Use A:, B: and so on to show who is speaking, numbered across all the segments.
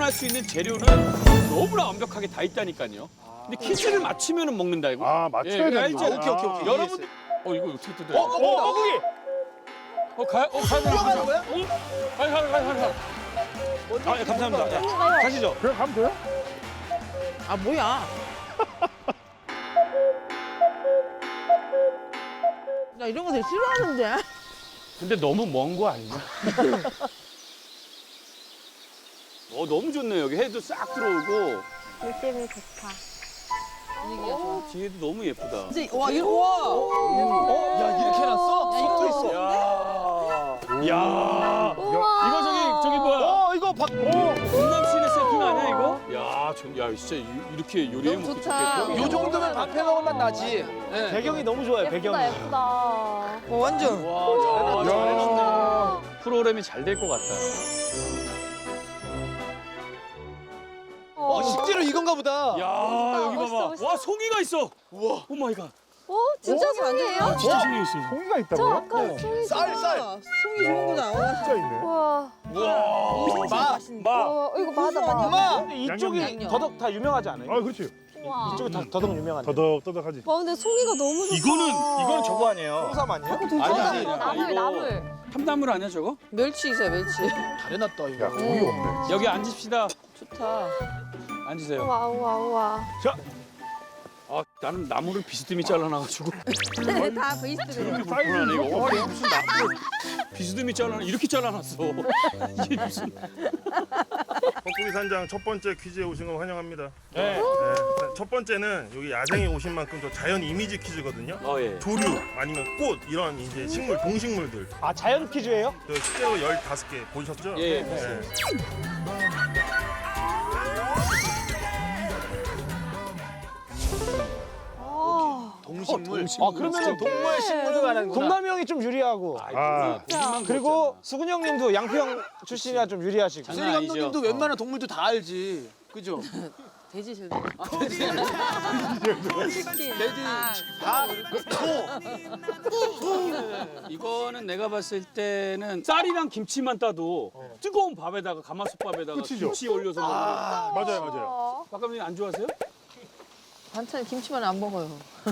A: 구현할 수 있는 재료는 너무나 완벽하게 다 있다니까요. 근데 퀴즈를 맞추면 먹는다 이거.
B: 아, 맞춰야 되는
A: 알죠?
B: 거야.
C: 오케이.
A: 여러분, 이거 어떻게 뜯어요?
C: 거기.
A: 가야
C: 뛰어가는 거야?
A: 가.
C: 아, 예, 감사합니다. 자, 가시죠.
B: 그냥 가면 돼요?
D: 아 뭐야? 나 이런 거 되게 싫어하는데.
A: 근데 너무 먼 거 아니야? 너무 좋네요. 여기 해도 싹 들어오고
E: 느낌이 좋다.
A: 뒤에도 너무 예쁘다.
D: 진짜 와 이거 와.
C: 야, 이렇게 해놨어? 속도 있어.
A: 야, 이거 저기 뭐야?
C: 이거
A: 강남 시내 세팅 아니야 이거? 야, 진짜 이렇게 요리해
D: 너무
A: 먹기
D: 좋다.
A: 좋겠다.
C: 요 정도면 밥해 먹을 맛 나지. 예.
F: 배경이 너무 좋아요, 배경이.
E: 예쁘다, 예쁘다.
D: 완전.
A: 와,
B: 야.
A: 잘해놨네. 프로그램이 잘 될 것 같다.
C: 실제로 이건가 보다.
A: 야, 여기
E: 멋있어,
A: 봐봐.
E: 멋있어.
A: 와, 송이가 있어.
C: 우와.
A: 오 마이 갓.
E: 진짜 송이에요?
A: 진짜 송이 있어.
B: 송이가
E: 저
B: 있다고요?
E: 아까 송이.
C: 쌀.
D: 송이 좋은 거다.
B: 진짜 있네.
E: 와,
C: 마.
E: 이거 맞아, 맞아.
C: 엄마.
F: 근데 이쪽이
D: 양념.
F: 더덕 다 유명하지 않아요?
B: 아, 그렇지.
E: 와.
F: 이쪽이 더덕 유명한데.
B: 더덕더덕하지.
E: 와, 근데 송이가 너무 좋다.
F: 이거는 저거 아니에요? 홍삼 아니에요?
A: 아니지.
E: 나물.
A: 참나물 아니야 저거?
D: 멸치 있어요 멸치.
C: 잘 해놨다,
B: 야,
C: 이거.
B: 송이 없네.
A: 여기 앉읍시다.
D: 좋다.
A: 앉으세요.
E: 우와.
A: 나는 나무를 비스듬히 잘라놔가지고
D: 다 베이스들이에요.
A: 불편하네 이거. 와, 이거 무슨 나무를 비스듬히 이렇게 잘라놨어. 이게 무슨?
G: 뻐꾸기 산장 첫 번째 퀴즈에 오신 걸 환영합니다.
F: 네.
G: 첫 번째는 여기 야생에 오신 만큼 또 자연 이미지 퀴즈거든요.
A: 예.
G: 조류 아니면 꽃 이런 이제 식물 동식물들
F: 아, 자연 퀴즈예요?
G: 저 실제로 15개 보셨죠?
A: 예.
G: 네.
C: 동식물.
F: 아, 그러면은
C: 동물 식물을 말하는 거다.
F: 동남이 형이 좀 유리하고.
B: 아,
F: 그리고 수근이 형님도 양평 출신이라 좀 유리하시고.
A: 장난
C: 수리
A: 아니죠.
C: 감독님도 웬만한 동물도 다 알지. 그죠?
D: 돼지 제일.
C: 돼지. 다.
A: 이거는 내가 봤을 때는 쌀이랑 김치만 따도 뜨거운 밥에다가 가마솥밥에다가
B: 끝이죠.
A: 김치 올려서 먹는.
B: 맞아요.
A: 박감님 안 좋아하세요?
D: 반찬 김치만 안 먹어요.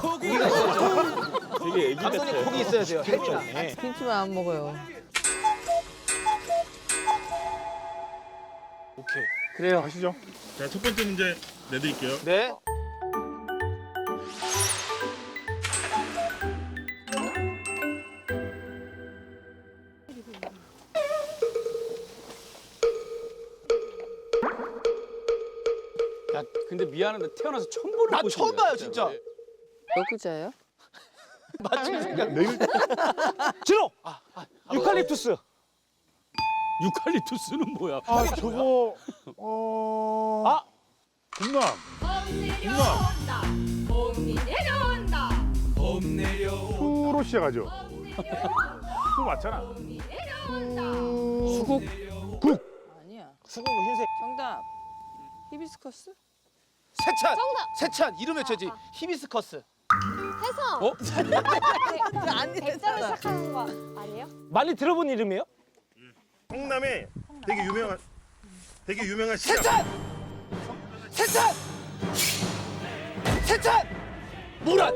A: 되게 애기
F: 감독님 고기 있어야 돼요. 헬조에.
D: 김치만 안 먹어요.
F: 오케이.
A: 그래요.
B: 가시죠.
G: 자, 첫 번째 문제 내드릴게요.
F: 네.
A: 야, 근데 미안한데 태어나서 처음 보는
C: 나
A: 꽃이야.
C: 처음 봐요, 진짜.
D: 몇 글자예요?
C: 맞춤 생각.
B: 내일
F: 진호! 유칼립투스.
A: 유칼립투스는 뭐야?
B: 아, 저거
F: 아!
B: 군남. 수로 시작하죠. 수 맞잖아.
A: 수국?
D: 아니야.
F: 수국 흰색.
D: 정답. 히비스커스?
C: 세찬.
E: 정답.
C: 세찬. 이름 외쳐지. 히비스커스.
E: 해성.
A: 어?
D: 안
E: 백자로 시작하는 거 아니에요?
F: 많이 들어본 이름이에요?
G: 성남에 되게 유명한 시장.
C: 세찬. 모란.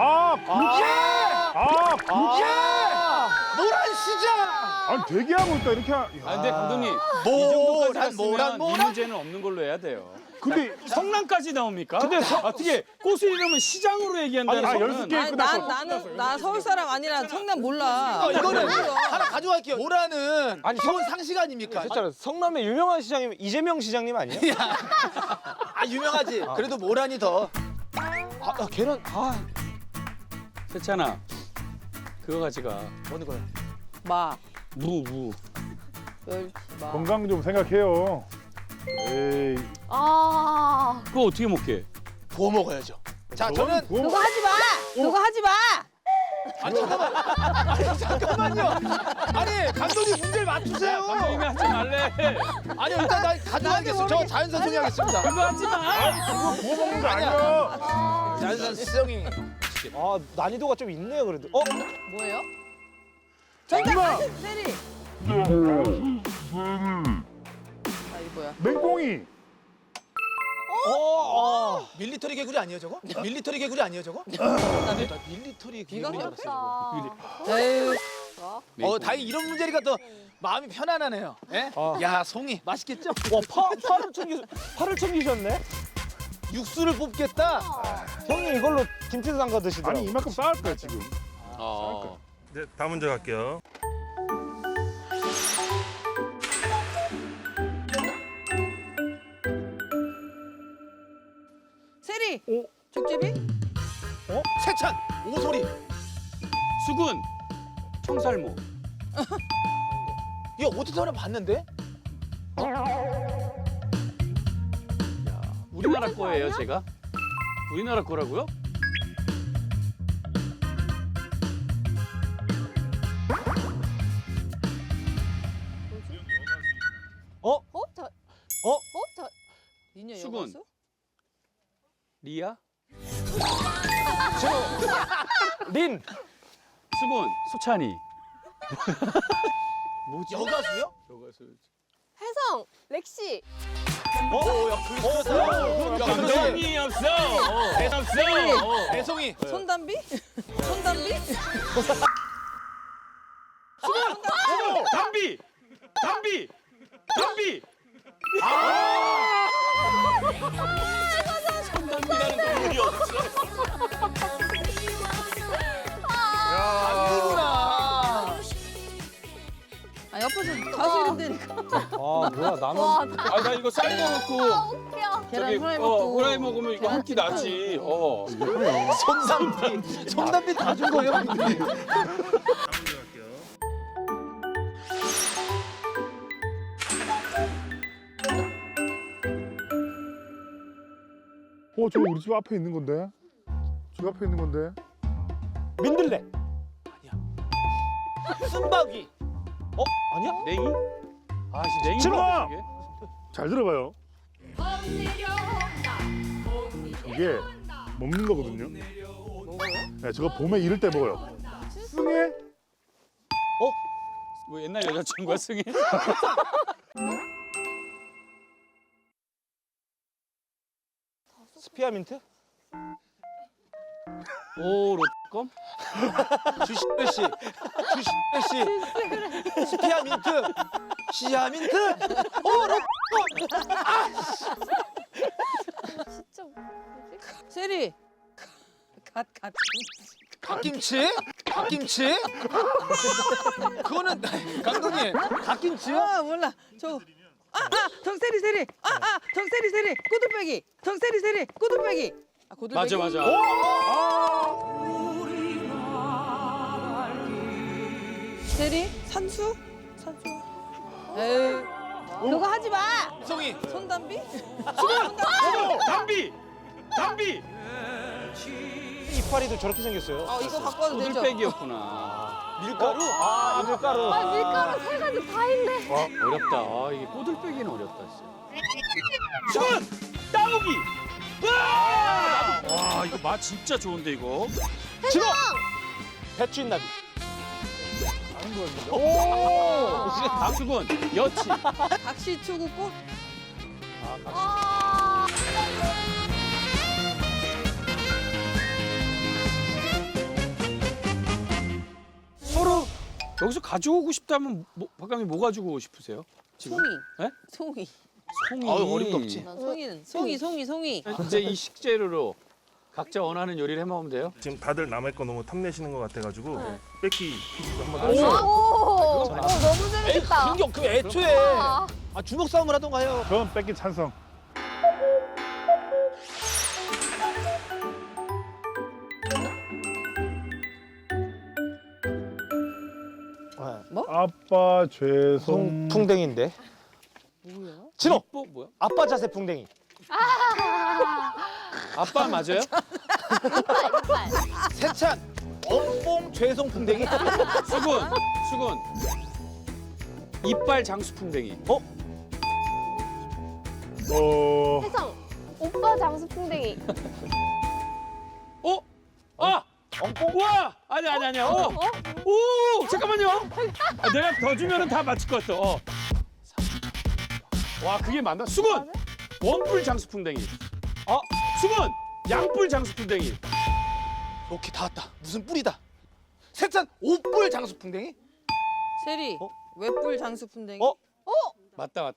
C: 모란 시장.
B: 아니 되게 하고 있다 이렇게.
A: 아, 근데 감독님 이 정도까지 갔으면 이 문제는 없는 걸로 해야 돼요.
B: 근데
A: 성남까지 나옵니까? 근데 어떻게 꽃을 이러면 시장으로 얘기한다는
B: 아니,
A: 거는
B: 10개
D: 아니
B: 끝났어.
D: 나 서울 사람 아니라 성남 몰라.
C: 이거는
D: 몰라.
C: 하나 가져갈게요. 모란은
F: 아니,
C: 기본 상식 아닙니까?
F: 진짜로 성남의 유명한 시장이면 이재명 시장님 아니에요?
C: 유명하지. 그래도 모란이 더.
F: 걔는
A: 세찬아 그거 가져가.
C: 어느 거야?
D: 마.
A: 무.
D: 멸치. 마.
B: 건강 좀 생각해요. 에이.
A: 그거 어떻게 먹게?
C: 구워 먹어야죠. 자, 저는
D: 그거 하지 마. 그거 하지 마.
C: 잠깐만요. 아니, 감독님 문제를 맞추세요.
A: 감독님이 하지 말래.
C: 아니, 일단 나 가져가겠습니다. 저 자연산 송이 하겠습니다.
A: 그거 하지 마.
B: 구워 먹는 거 아니야.
C: 자연산 송이.
F: 난이도가 좀 있네요, 그래도.
D: 뭐예요? 정답. 세리. 아, 이거 뭐야?
B: 맹꽁이.
C: 밀리터리 개구리 아니에요 저거? 밀리터리 개구리 아니에요 저거? 나 밀리터리
D: 비가
C: 개구리 알았어.
D: 에휴.
C: 다행히 이런 문제니까 또 마음이 편안하네요. 예? 야 송이 맛있겠죠?
F: 팔을 챙기셨네.
C: 육수를 뽑겠다.
F: 형님 이걸로 김치 담가 드시더라고.
B: 아니 이만큼 쌓을 거야 지금.
G: 네, 다음 문제 갈게요.
D: 세리. 족제비?
C: 세찬 오소리.
A: 수군 청살모.
C: 이거 어디서 하나 봤는데?
A: 우리나라 거예요, 제가? 우리나라 거라고요?
D: 니녀
A: 수군.
D: 여가수?
A: 리아?
F: 린.
A: 수군 소찬이. 뭐지?
C: 여가수요?
E: 혜성, 렉시.
A: 감동이 없어. 없어.
C: 배송이.
D: 손담비? 손담비?
A: 담비. 담비. 담비. 손담비라는 동물이 없어.
C: 아니구나.
D: 아 옆에서 가수 이름 대니까.
F: 아 뭐야 나는.
A: 아, 나 이거 쌀 거 넣고
E: 웃겨.
D: 계란
A: 저기
D: 후라이 먹고.
A: 후라이 먹으면 이거 한 끼 나지.
C: 손담비 다 준 거예요.
G: 다음 문제 갈게요.
B: 저거 우리 집 앞에 있는 건데. 집 앞에 있는 건데.
F: 민들레.
C: 순박이.
F: 아니야?
A: 냉이? 아씨 냉이.
B: 지마!
A: 이게?
B: 잘 들어봐요. 이게 먹는 거거든요. 네, 저거 봄에 이럴 때 먹어요. 승에
A: 뭐 옛날 여자친구가 승희?
F: 스피아민트?
A: 오 롯껌?
C: 주시베 씨. 스피아 민트. 시아 민트.
E: 진짜 뭐지?
D: 세리. 갓.
C: 갓김치? 갓김치? 그거는 감독님 갓김치요?
D: 아 몰라. 정세리. 정세리. 꼬들빼기. 정세리. 꼬들빼기. 아 고들빼기.
A: 맞아.
D: 세리. 산수. 에휴. 그거 하지 마.
C: 송이.
D: 손담비?
A: 담비.
F: 이파리도 저렇게 생겼어요.
D: 이거 바꿔도 되죠?
A: 꼬들빼기였구나.
C: 밀가루?
F: 밀가루.
E: 아, 밀가루 세 가지 다 있네.
A: 어렵다. 이게 꼬들빼기는 어렵다 진짜. 수군 따오기. 와 이거 맛 진짜 좋은데 이거.
F: 진호. 배추인나비.
A: 수군 여치.
D: 각시추구꽃?
E: 아,
A: 서로 여기서 가져오고 싶다면 박감이 뭐 가지고 싶으세요? 지금?
D: 송이.
A: 네?
D: 송이.
A: 송이.
C: 어림도 없지.
D: 난 송이는 송이.
A: 이제 이 식재료로 각자 원하는 요리를 해먹으면 돼요.
G: 지금 다들 남의 거 너무 탐내시는 것 같아가지고 뺏기 퀴즈도 한번
E: 오,
G: 하시죠.
E: 너무 재밌겠다.
C: 그 애초에
E: 아,
C: 주먹 싸움을 하던가 해요.
B: 그건 뺏기 찬성. 아빠 죄송.
F: 풍뎅인데.
D: 뭐야?
F: 진호.
A: 뭐야?
F: 아빠 자세 풍뎅이.
A: 아빠 맞아요?
E: 이빨.
C: 세찬. 엄뽕 죄송 풍뎅이.
A: 수군. 이빨 장수풍뎅이.
E: 혜성, 오빠 장수풍뎅이.
A: 엉뽕? 와! 아니야. 오! 잠깐만요. 내가 더 주면은 다 맞출 것 같아. 와 그게 맞나? 수근 원뿔 장수풍뎅이. 수근 양뿔 장수풍뎅이.
C: 오케이 다 왔다. 무슨 뿔이다. 세찬 오뿔 장수풍뎅이?
D: 세리 외뿔 장수풍뎅이.
A: 맞다.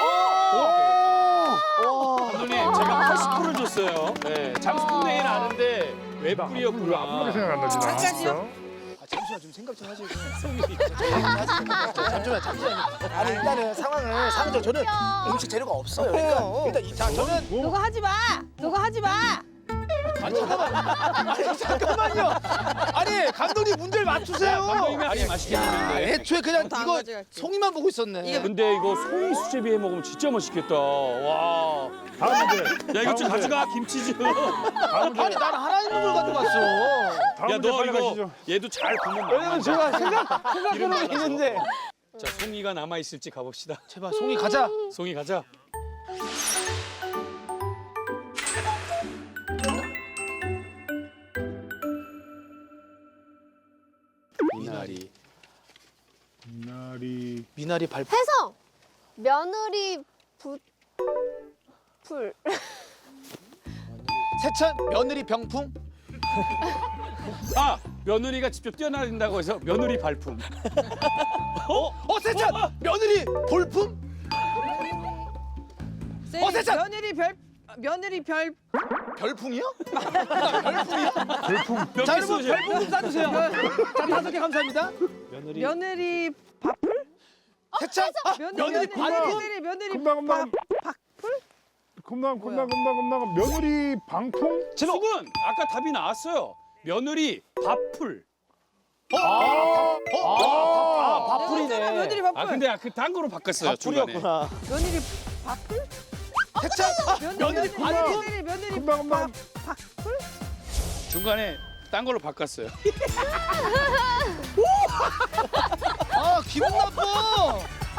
A: 감독님 제가 80%를 줬어요. 네, 장수풍뎅이는 아는데 왜
B: 아무리
A: 뿔이었구나.
B: 생각 안 나지 나.
D: 잠깐요.
C: 아 잠시만 좀 생각 좀 하시고. 잠시만요. 아니 일단은 상황을 상정 저는 음식 재료가 없어요. 그러니까 일단 자 저는
D: 그거 하지 마. 그거 하지 마.
C: 아니 잠깐만요. 아니 감독님 문제를 맞추세요.
A: 감독님이 아니 맛있게 먹는데.
C: 애초에 그냥
D: 다
C: 이거
D: 가져갈게.
C: 송이만 보고 있었네.
A: 근데 이거 송이 수제비 해 먹으면 진짜 맛있겠다. 와.
B: 다음 문제.
A: 야 이거 좀 가져가 김치즈.
B: 다음 문제.
C: 아니 나는 하나 있는 걸 가져갔어.
B: 다음
A: 야
B: 문제
A: 너
B: 빨리
A: 이거
B: 가시죠.
A: 얘도 잘 보면
F: 왜냐면 제가 생각해놓은 게 있는데.
A: 자 송이가 남아 있을지 가봅시다.
C: 제발 송이 가자.
A: 송이 가자. 미나리.
B: 미나리.
C: 미나리 발.
E: 혜성 며느리 풀.
C: 세찬 며느리 병풍.
A: 아 며느리가 직접 뛰어나린다고 해서 며느리 발품.
C: 세찬 며느리 볼품.
D: 세리
C: 세찬!
D: 며느리 별
C: 별풍이요?
A: 몇
C: 자
A: 개
C: 여러분
A: 써주세요?
C: 별풍 좀 쏴주세요. 자 5개 감사합니다.
D: 며느리 밥풀?
C: 세찬 며느리 발품.
D: 세리 며느리
B: 금방
D: 밥풀?
B: 금방 며느리 방풍.
A: 수근 아까 답이 나왔어요. 며느리 밥풀.
F: 밥풀이네.
D: 며느리 밥풀.
A: 아 근데 그 단거로 바꿨어요 중간에.
F: 밥풀이었구나.
D: 며느리 밥풀?
C: 세찬 며느리 발품.
D: 세리 며느리
B: 금방
D: 밥풀?
A: 중간에 딴 걸로 바꿨어요.
C: 아 기분 나빠.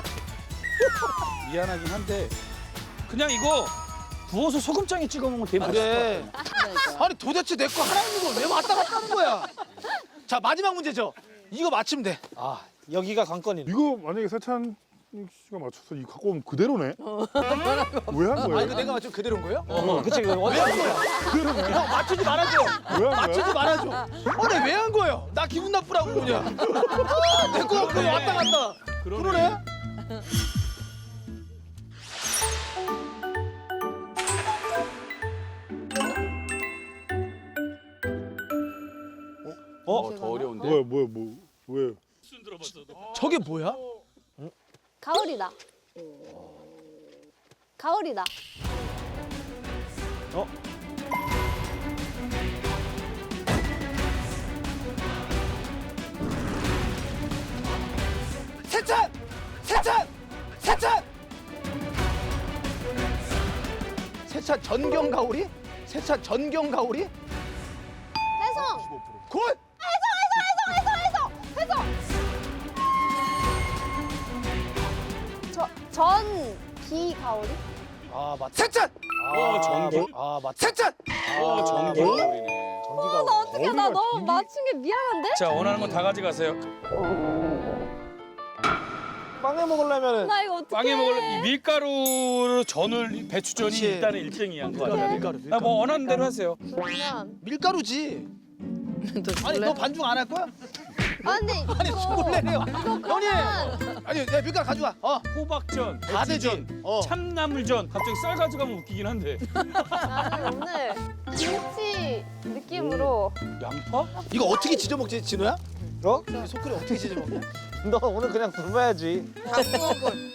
A: 미안하긴 한데 그냥 이거 부어서 소금장에 찍어 먹으면 되게 맛있을 것
C: 그래. 아니 도대체 내 거 하나 있는 걸 왜 왔다 갔다 하는 거야? 자 마지막 문제죠. 이거 맞히면 돼.
F: 아 여기가 관건이네.
B: 이거 만약에 세찬 씨가 맞춰서 이거 갖고 오면 그대로네. 왜 한
C: 아
B: 거예요?
C: 이거 내가 맞추면 그대로인 거예요?
F: 그치 그
C: 왜 한 거야? 형 맞추지 말아줘.
B: 왜 한
C: 맞추지
B: 거야?
C: 말아줘. 아니 왜 한 거예요? 나 기분 나쁘라고 그냥. 내 거 갖고 왔다 갔다. 그러네.
A: 더 어려운데.
B: 왜?
C: 저게 뭐야?
E: 가을이다. 가을이다.
C: 세찬! 세찬! 세찬! 세찬 전경 가오리? 세찬 전경 가오리?
E: 혜성.
C: 굿!
E: 전기 가오리?
F: 아 맞.
C: 세찬!
A: 전기.
F: 아 맞.
C: 세찬!
A: 전기 가오리네.
F: 전기가.
E: 나 어떡해 나 너무 맞춘 게 미안한데?
A: 자 원하는 거 다 가져가세요.
F: 빵에 먹으려면은
E: 나 이거 어떡해.
A: 빵에 먹을 이 밀가루로 전을 배추전이
C: 그치.
A: 일단은 1등이야.
C: 밀가루.
A: 아, 뭐 원하는 대로 하세요.
E: 그러면
C: 밀가루지. 아니 너 반중 안 할 거야?
E: 아 근데
C: 아니
E: 이거
C: 숨을 내네요.
E: 이거
C: 형님!
E: 그러면
C: 아니 내 밀가루 가져와.
A: 호박전,
C: 다 되지.
A: 배추전,
C: 어.
A: 참나물전. 갑자기 쌀 가져가면 웃기긴 한데.
E: 나는 오늘 김치 느낌으로
A: 양파?
C: 이거 어떻게 지져 먹지 진호야?
F: 어?
C: 이 소쿠리 어떻게 지져 먹냐?
F: 너 오늘 그냥 굶어야지.
D: 다 구워볼.